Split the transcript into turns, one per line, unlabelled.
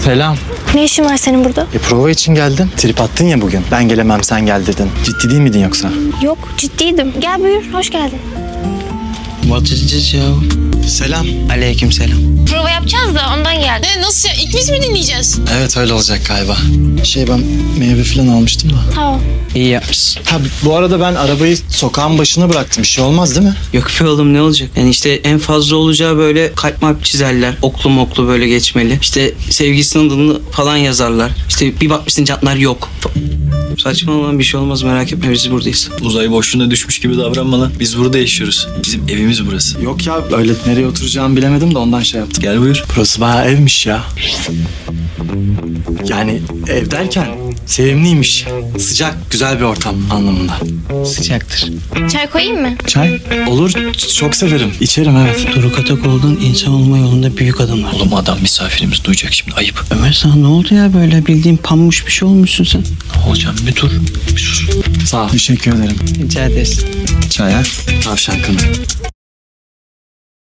Selam.
Ne işin var senin burada?
Prova için geldim. Trip attın ya bugün. Ben gelemem sen gel dedin. Ciddi değil miydin yoksa?
Yok, ciddiydim. Gel buyur, hoş geldin.
What is this ya?
Selam.
Aleyküm selam.
Prova yapacağız da ondan geldim.
Nasıl ya? İlk biz mi dinleyeceğiz?
Evet öyle olacak galiba. Ben meyve falan almıştım da.
Tamam.
İyi yapmışsın.
Ha bu arada ben arabayı sokağın başına bıraktım. Bir şey olmaz değil mi?
Yok be oğlum, ne olacak? Yani işte en fazla olacağı böyle kalp malp çizerler. Oklu moklu böyle geçmeli. İşte sevgilisinin adını falan yazarlar. İşte bir bakmışsın jantlar yok. Saçma olan bir şey olmaz, merak etme, biz buradayız.
Uzay boşluğuna düşmüş gibi davranma lan. Biz burada yaşıyoruz. Bizim evimiz burası.
Yok ya öyle nereye oturacağımı bilemedim de ondan şey yaptım.
Gel buyur.
Burası bayağı evmiş ya. Yani ev derken sevimliymiş. Sıcak, güzel bir ortam anlamında.
Sıcaktır.
Çay koyayım mı?
Çay? Olur, çok severim. İçerim evet.
Doruk Atakoğlu'nun insan olma yolunda büyük adımlar.
Oğlum adam misafirimiz duyacak şimdi, ayıp.
Ömer, sana ne oldu ya, böyle bildiğin pammuş bir şey olmuşsun sen.
Ne olacağım, bir dur. Bir sus.
Sağ ol. Teşekkür ederim.
Rica ederiz.
Çaya. Tavşan kanı.